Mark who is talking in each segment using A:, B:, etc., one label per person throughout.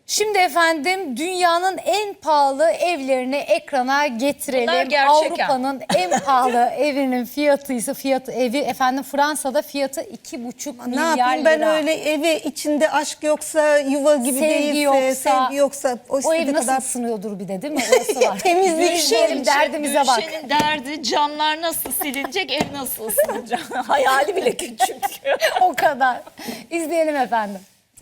A: Şimdi efendim dünyanın en pahalı evlerini ekrana getirelim.
B: Bunlar gerçek
A: Avrupa'nın en pahalı evinin fiyatı evi efendim Fransa'da fiyatı 2,5
C: Ne
A: milyar
C: yapayım ben
A: lira.
C: öyle evi içinde aşk yoksa, yuva gibi değilse, sevgi yoksa
A: o ev
C: istediği
A: nasıl
C: kadar
A: ısınıyordur bir de değil mi? Orası var.
C: temizlik
A: Gülşen'im derdimize bak.
B: Gülşen'in derdi camlar nasıl silinecek, ev nasıl ısınacak. Hayali bile küçük.
A: O kadar. İzleyelim efendim.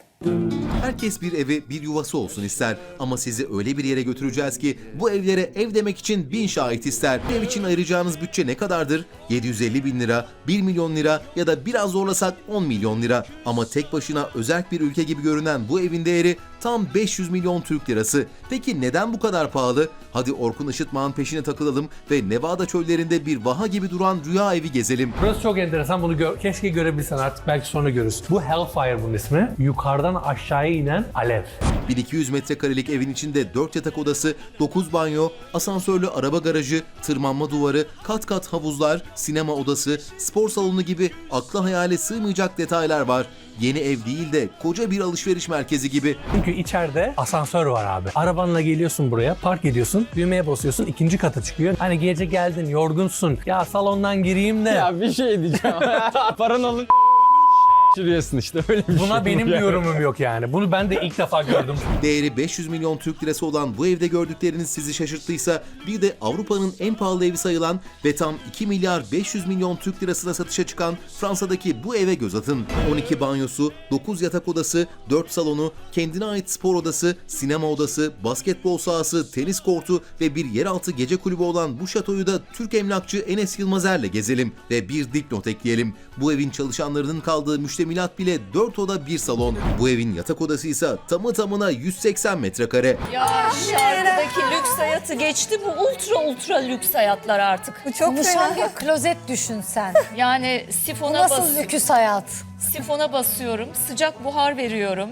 D: Herkes bir evi, bir yuvası olsun ister. Ama sizi öyle bir yere götüreceğiz ki bu evlere ev demek için 1000 şahit ister. Ev için ayıracağınız bütçe ne kadardır? 750 bin lira, 1 milyon lira ya da biraz zorlasak 10 milyon lira. Ama tek başına özerk bir ülke gibi görünen bu evin değeri tam 500 milyon Türk lirası. Peki neden bu kadar pahalı? Hadi Orkun Işıtmak'ın peşine takılalım ve Nevada çöllerinde bir vaha gibi duran rüya evi gezelim.
E: Burası çok enteresan. Bunu keşke görebilsen, artık belki sonra görürüz. Bu Hellfire bunun ismi. Yukarıdan aşağıya inen alev.
D: 1200 metrekarelik evin içinde 4 yatak odası, 9 banyo, asansörlü araba garajı, tırmanma duvarı, kat kat havuzlar, sinema odası, spor salonu gibi akla hayale sığmayacak detaylar var. Yeni ev değil de koca bir alışveriş merkezi gibi.
E: Çünkü içeride asansör var abi. Arabanla geliyorsun buraya, park ediyorsun, düğmeye basıyorsun, ikinci kata çıkıyor. Hani gece geldin, yorgunsun. Ya salondan gireyim de.
F: Ya bir şey diyeceğim. Paran alın şurayasın işte öyle bir şey.
E: Buna benim
F: bu
E: bir
F: yani.
E: yorumum yok yani. Bunu ben de ilk defa gördüm.
D: Değeri 500 milyon Türk lirası olan bu evde gördükleriniz sizi şaşırttıysa bir de Avrupa'nın en pahalı evi sayılan ve tam 2 milyar 500 milyon Türk lirasına satışa çıkan Fransa'daki bu eve göz atın. 12 banyosu, 9 yatak odası, 4 salonu, kendine ait spor odası, sinema odası, basketbol sahası, tenis kortu ve bir yeraltı gece kulübü olan bu şatoyu da Türk emlakçı Enes Yılmazer'le gezelim ve bir dipnot ekleyelim. Bu evin çalışanlarının kaldığı müştemilat bile 4 oda 1 salon. Bu evin yatak odası ise tamı tamına 180 metrekare.
B: Ya şarkıdaki lüks hayatı geçti, bu ultra lüks hayatlar artık.
C: Bu çok
A: Konuşan
C: fena.
A: bir klozet düşün sen.
B: Yani
A: Bu
B: sifona,
A: nasıl lüküs hayat?
B: sifona basıyorum, sıcak buhar veriyorum.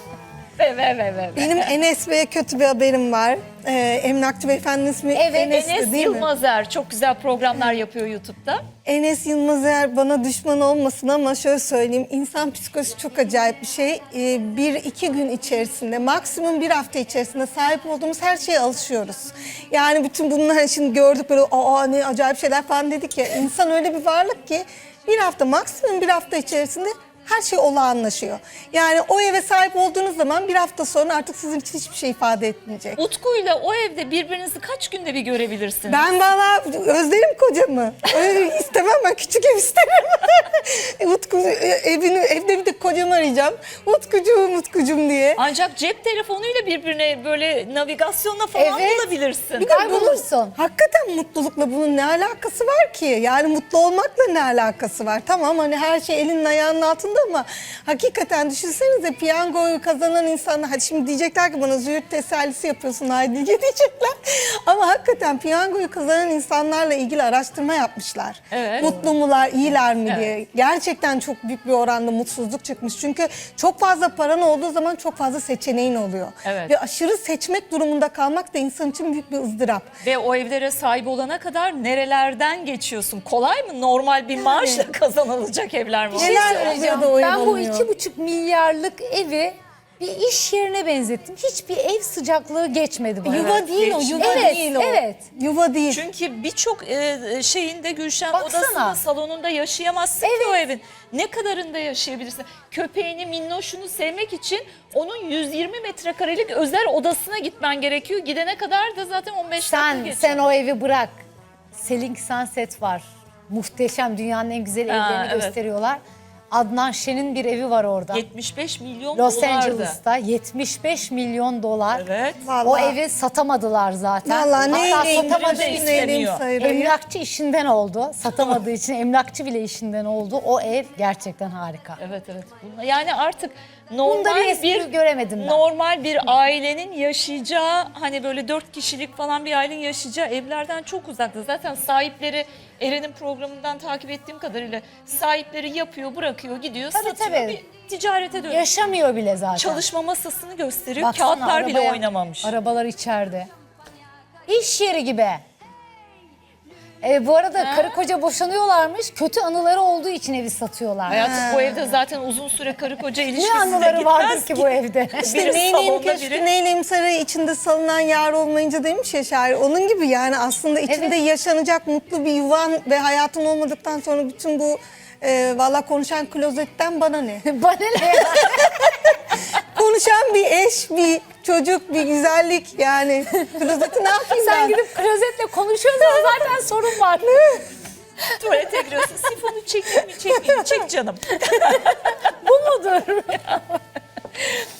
B: ve.
C: Benim Enes Bey'e kötü bir haberim var. Emlakçı beyefendinin ismi
A: Evet,
C: Enes'ti
B: Enes
C: değil mi?
B: Yılmazer çok güzel programlar yapıyor YouTube'da.
C: Enes Yılmazer bana düşman olmasın ama şöyle söyleyeyim. İnsan psikolojisi çok acayip bir şey. 1-2 gün içerisinde, maksimum 1 hafta içerisinde sahip olduğumuz her şeye alışıyoruz. Yani bütün bunlar şimdi gördük böyle aa ne acayip şeyler falan dedik ya. İnsan öyle bir varlık ki maksimum bir hafta içerisinde her şey olağanlaşıyor. Yani o eve sahip olduğunuz zaman 1 hafta sonra artık sizin için hiçbir şey ifade etmeyecek.
B: Utku'yla o evde birbirinizi kaç günde bir görebilirsiniz?
C: Ben valla özlerim kocamı. Öyle istemem, ben küçük ev isterim. Utku evde bir de kocamı arayacağım. Utkucuğum diye.
B: Ancak cep telefonuyla birbirine böyle navigasyonla falan
A: Evet.
B: bulabilirsin.
C: Bir de
A: Kaybolursun.
C: hakikaten mutlulukla bunun ne alakası var ki? Yani mutlu olmakla ne alakası var? Tamam hani her şey elinin ayağının altında ama hakikaten düşünsenize piyangoyu kazanan insanlar, hadi şimdi diyecekler ki bana züğürt tesellisi yapıyorsun Haydiye diyecekler. Ama hakikaten piyangoyu kazanan insanlarla ilgili araştırma yapmışlar.
B: Evet.
C: Mutlu mular, iyiler mi diye. Gerçekten çok büyük bir oranda mutsuzluk çıkmış. Çünkü çok fazla paran olduğu zaman çok fazla seçeneğin oluyor.
B: Evet.
C: Ve aşırı seçmek durumunda kalmak da insan için büyük bir ızdırap.
B: Ve o evlere sahip olana kadar nerelerden geçiyorsun? Kolay mı? Normal bir maaşla kazanılacak evler mi?
C: Neler oluyor da o ev
A: Ben bu
C: olmuyor.
A: 2,5 milyarlık evi bir iş yerine benzettim. Hiçbir ev sıcaklığı geçmedi bana.
C: Yuva değil o, yuva
A: Evet,
C: değil o.
A: evet.
C: Yuva değil.
B: Çünkü birçok şeyinde Gülşen
A: Baksana.
B: odasında, salonunda yaşayamazsın ki
A: Evet.
B: o evin. Ne kadarında yaşayabilirsin? Köpeğini, minnoşunu sevmek için onun 120 metrekarelik özel odasına gitmen gerekiyor. Gidene kadar da zaten 15 dakika geçiyor.
A: Sen o evi bırak. Selling Sunset var. Muhteşem, dünyanın en güzel evlerini
B: evet.
A: gösteriyorlar. Adnan Şen'in bir evi var orada.
B: 75 milyon
A: Los
B: dolardı.
A: Angeles'ta 75 milyon dolar.
B: Evet.
A: O
C: Vallahi.
A: evi satamadılar zaten.
C: Vallahi
A: Hatta
C: neyleyim,
A: satamadığı
B: neyleyim,
A: için
B: istemiyor.
A: emlakçı işinden oldu. Satamadığı için emlakçı bile işinden oldu. O ev gerçekten harika.
B: Evet. Yani artık
A: Bunda
B: normal
A: bir espri göremedim ben.
B: normal bir ailenin yaşayacağı, hani böyle 4 kişilik falan bir ailenin yaşayacağı evlerden çok uzakta. Zaten sahipleri, Eren'in programından takip ettiğim kadarıyla sahipleri yapıyor, bırakıyor, gidiyor,
A: Tabii,
B: satıyor,
A: tabii.
B: bir ticarete dönüyor.
A: Yaşamıyor bile zaten.
B: Çalışma masasını gösteriyor,
A: Baksana
B: kağıtlar bile
A: arabaya,
B: oynamamış.
A: Arabalar içeride. İş yeri gibi. Bu arada karı koca boşanıyorlarmış. Kötü anıları olduğu için evi satıyorlar.
B: Hayatım bu evde zaten uzun süre karı koca
A: Ne
B: ilişkisi de
A: anıları vardır
B: gitmez
A: ki bu evde?
C: İşte
B: Biri
C: neyleyim
B: salonda,
C: köşkü,
B: biri-
C: neyleyim sarayı içinde salınan yar olmayınca demiş ya şair. Onun gibi yani aslında içinde yaşanacak mutlu bir yuvan ve hayatın olmadıktan sonra bütün bu valla konuşan klozetten bana ne?
A: Bana ne ya?
C: Konuşan bir eş, bir çocuk, bir güzellik yani. Klozeti ne yapayım
A: Sen
C: ben?
A: gidip klozetle konuşuyorsan zaten sorun var.
B: Tuvalete giriyorsun. Sifonu çekeyim mi çekmeyeyim mi? Çek canım.
A: Bu mudur?